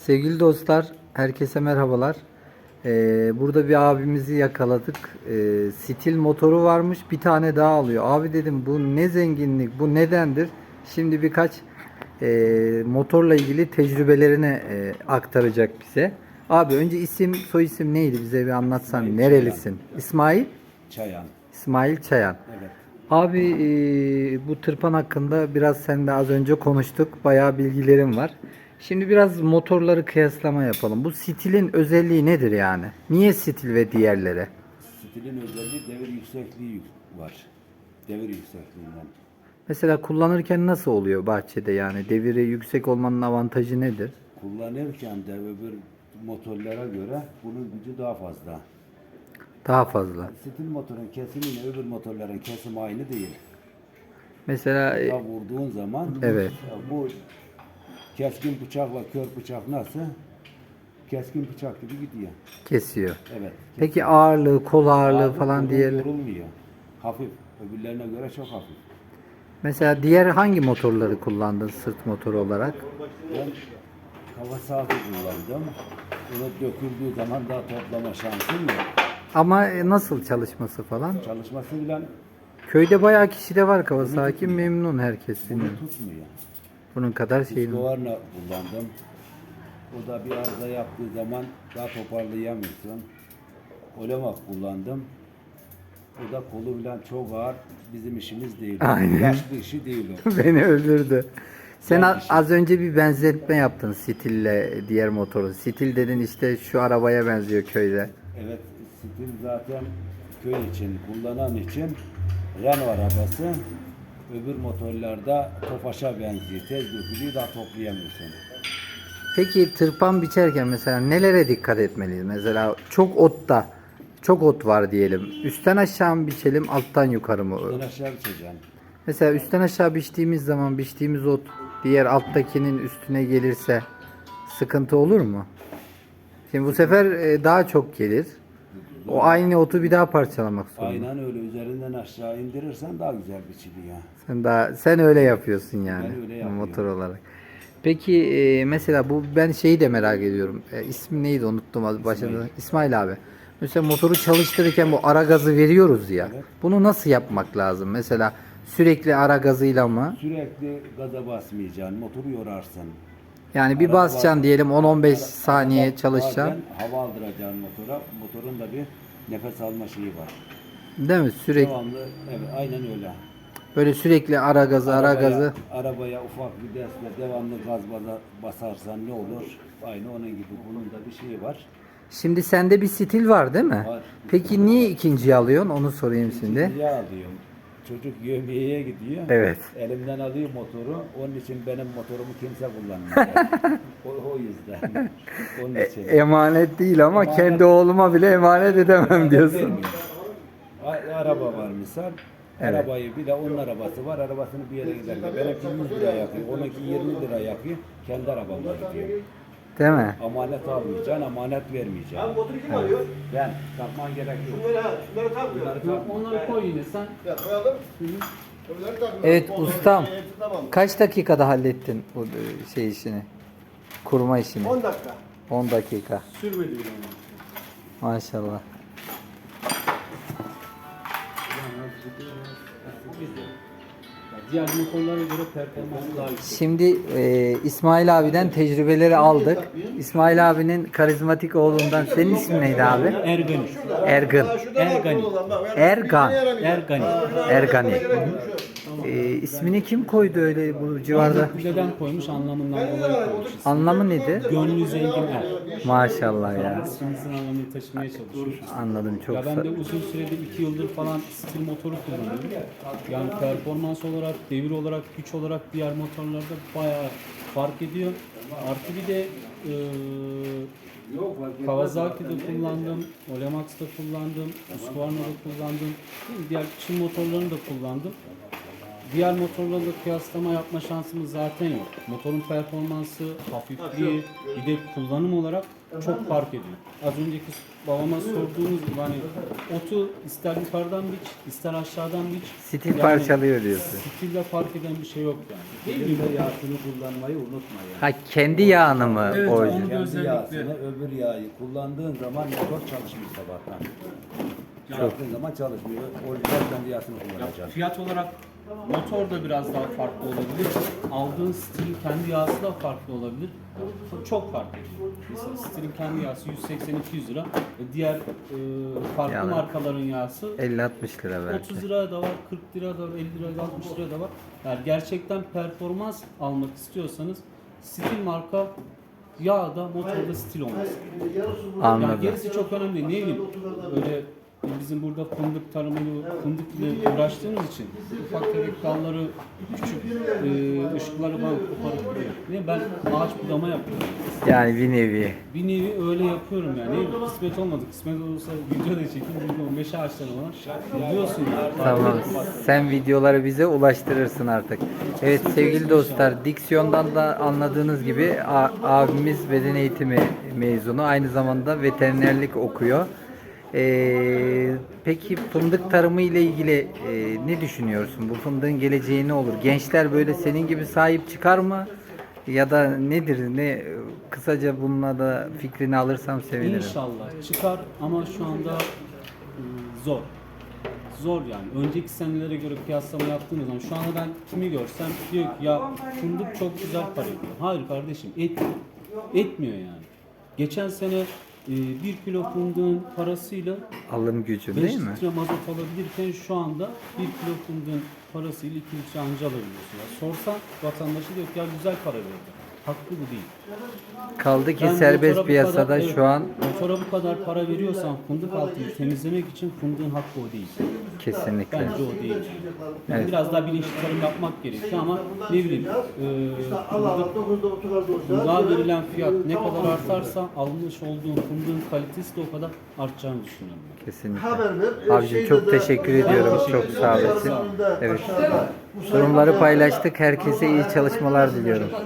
Sevgili dostlar, herkese merhabalar. Burada bir abimizi yakaladık. Stil motoru varmış, bir tane daha alıyor. Abi dedim bu ne zenginlik, bu nedendir? Şimdi birkaç motorla ilgili tecrübelerini aktaracak bize. Abi önce isim, soy isim neydi? Bize bir anlatsan. İsmail Nerelisin? İsmail? Çayan. İsmail Çayan. Evet. Abi bu tırpan hakkında biraz sen de az önce konuştuk. Bayağı bilgilerim var. Şimdi biraz motorları kıyaslama yapalım. Bu stilin özelliği nedir yani? Niye stil ve diğerleri? Stilin özelliği devir yüksekliği var. Devir yüksekliğinden. Mesela kullanırken nasıl oluyor bahçede yani? Deviri yüksek olmanın avantajı nedir? Kullanırken de öbür motorlara göre bunun gücü daha fazla. Daha fazla. Stil motorun kesimiyle öbür motorların kesimi aynı değil. Mesela Ya vurduğun zaman evet. bu keskin bıçakla kör bıçak nasıl? Keskin bıçak gibi gidiyor. Kesiyor. Evet. Peki ağırlığı, kol ağırlığı falan kolun diğer. yorulmuyor. Hafif. Öbürlerine göre çok hafif. Mesela diğer hangi motorları kullandın sırt motoru olarak? Ben Kawasaki kullandım. Bunu döküldüğü zaman daha toplama şansım yok. Ama nasıl çalışması falan? Çalışması bile Köyde bayağı kişi de var Kawasaki, memnun herkes bunu bilmiyorum. tutmuyor. Bunun kadar şeyin. Husqvarna kullandım. O da bir arıza yaptığı zaman daha toparlayamıyorsun. Olemak kullandım. O da kolu bilen çok ağır. Bizim işimiz değil. Aynen. Yaşlı işi değil o. Beni öldürdü. Sen Genç işi. az önce bir benzetme yaptın Stil'le diğer motoru. Stil dedin işte şu arabaya benziyor köyde. Evet, stil zaten köy için, kullanan için Renault arabası. Öbür motorlarda Tofaş'a benziyor. Tez dökülüyor, daha toplayamıyorsun. Peki tırpan biçerken mesela nelere dikkat etmeliyiz? Mesela çok ot var diyelim. Üstten aşağı mı biçelim, alttan yukarı mı? Ben aşağı biçeceğim. Mesela üstten aşağı biçtiğimiz zaman biçtiğimiz ot diğer alttakinin üstüne gelirse sıkıntı olur mu? Şimdi bu sefer daha çok gelir. O aynı otu bir daha parçalamak zorunda. Aynen öyle. Üzerinden aşağı indirirsen daha güzel biçiliyor. Sen öyle yapıyorsun yani Ben öyle yapıyorum. motor olarak. Peki mesela bu ben şeyi de merak ediyorum. İsmi neydi unuttum az başında. İsmail abi. Mesela motoru çalıştırırken bu ara gazı veriyoruz ya. Evet. Bunu nasıl yapmak lazım? Mesela sürekli ara gazıyla mı? Sürekli gaza basmayacaksın. Motoru yorarsın. Yani bir Ara- basacaksın diyelim 10-15 ara- saniye arada çalışacaksın. bazen hava aldıracaksın motora. Motorun da bir nefes alma şeyi var. Değil mi? Sürekli Devamlı, evet aynen öyle. böyle sürekli ara gazı ara gazı. Arabaya ufak bir destle devamlı gaz basarsan ne olur? Aynı onun gibi bunun da bir şeyi var. Şimdi sende bir stil var değil mi? Var. Peki niye ikinciyi alıyorsun? Onu sorayım şimdi. İkinciye alıyorum. Çocuk yemeğe gidiyor. Evet. Elimden alıyor motoru. Onun için benim motorumu kimse kullanmıyor. o yüzden. Onun için. Emanet değil ama Emanet- kendi oğluma bile emanet edemem diyorsun. Vermiyor. Araba var misal. Evet. Arabayı bir de onun arabası var. Arabasını bir yere giderken. Benimki 100 lira yakıyor. Onunki 20 lira yakıyor. Kendi arabamla gidiyor. Değil mi? Amanet almayacaksın, amanet vermeyeceksin. Motoru kim alıyor? Ben takman gerek yok. Şunları takmıyor. Bunları takma. Onları koy yine sen. Ya koyalım. Öbürleri takmıyor. Evet Motorun ustam. hepsi tamam. Kaç dakikada hallettin bu şey işini? Kurma işini. 10 dakika. 10 dakika. Sürmedi bile onu. Maşallah. Diğer motorlara göre performansı daha yüksek. Şimdi İsmail abiden tecrübeleri aldık. İsmail abinin karizmatik oğlundan senin ismin neydi abi? Ergani. Ergın. Ergani. Ergan. Ergani. Ergani. İsmini kim koydu öyle bu civarda? Neden koymuş anlamından dolayı koymuş. Anlamı nedir? Gönlü zengin er. Maşallah ya. İsmimizin anlamını taşımaya çalışıyor. Anladım çok. Ya ben de uzun süredir 2 yıldır falan stil motoru kullanıyorum. Yani performans olarak, devir olarak, güç olarak diğer motorlarda bayağı fark ediyor. Artı bir de Kawasaki'de kullandım, Olemax'ta kullandım, Husqvarna'da kullandım. Diğer Çin motorlarını da kullandım. diğer motorlarla kıyaslama yapma şansımız zaten yok. Motorun performansı, hafifliği, bir de kullanım olarak çok fark ediyor. Az önceki babama sorduğunuz gibi hani otu ister yukarıdan biç, ister aşağıdan biç. Stil parçalıyor diyorsun. Stille fark eden bir şey yok yani. Değil mi? Yağsını kullanmayı unutma yani. Ha, kendi yağını mı Evet, orijinal? onu- Kendi özellikle- yağsını, öbür yağı kullandığın zaman motor çalışmıyor sabahtan. Çalıştığın zaman çalışmıyor. Orijinal kendi yağsını Ya kullanacaksın. fiyat olarak motor da biraz daha farklı olabilir. Aldığın stilin kendi yağsı da farklı olabilir. Çok fark ediyor. Mesela stilin kendi yağsı 180-200 lira. Diğer farklı Yani markaların yağsı 50-60 lira belki. 30 lira da var, 40 lira da var, 50 lira da 60 lira da var. Yani gerçekten performans almak istiyorsanız stil marka yağ da motorda stil olması. Yani Anladım. gerisi çok önemli değil. Ne bileyim öyle bizim burada fındık tarımıyla, fındık ile uğraştığımız için ufak tefek dalları, küçük ışıkları falan koparıp duruyor. Ne ben ağaç budama yapıyorum. Yani bir nevi. Bir nevi öyle yapıyorum yani. Ne bileyim, kısmet olmadı. Kısmet olursa video da çekeyim. Burada 15 ağaçları var. Biliyorsun ya. Tamam. Sen videoları bize ulaştırırsın artık. Evet sevgili dostlar, diksiyondan da anladığınız gibi abimiz beden eğitimi mezunu. Aynı zamanda veterinerlik okuyor. Peki fındık tarımı ile ilgili ne düşünüyorsun? Bu fındığın geleceği ne olur? Gençler böyle senin gibi sahip çıkar mı? Ya da nedir? Ne kısaca bununla da fikrini alırsam sevinirim. İnşallah çıkar ama şu anda zor. Zor yani. Önceki senelere göre kıyaslama yaptığımız zaman şu anda ben kimi görsem diyor ki ya fındık çok güzel para ediyor. Hayır kardeşim etmiyor. Etmiyor yani. Geçen sene 1 kilo fındığın parasıyla Alım gücü 5 değil mi? litre mazot alabilirken şu anda 1 kilo fındığın parasıyla 2 litre anca alabiliyorsun. Ya sorsan vatandaşı diyor ki ya güzel para verdi. Haklı bu değil. Kaldı ki Ben serbest motora bu piyasada kadar- evet, şu an motora bu kadar para veriyorsan fındık altını temizlemek için fındığın hakkı o değil. kesinlikle. Bence o değil. Yani Evet. biraz daha bilinçli tarım yapmak gerekiyor ama ne bileyim fındığa verilen fiyat ne kadar artarsa almış olduğun fındığın kalitesi de o kadar artacağını düşünüyorum. Kesinlikle. Haber ver. Abicim çok teşekkür ediyorum. teşekkür Çok ederim. sağ olasın. Evet. Durumları paylaştık. Herkese iyi çalışmalar diliyorum.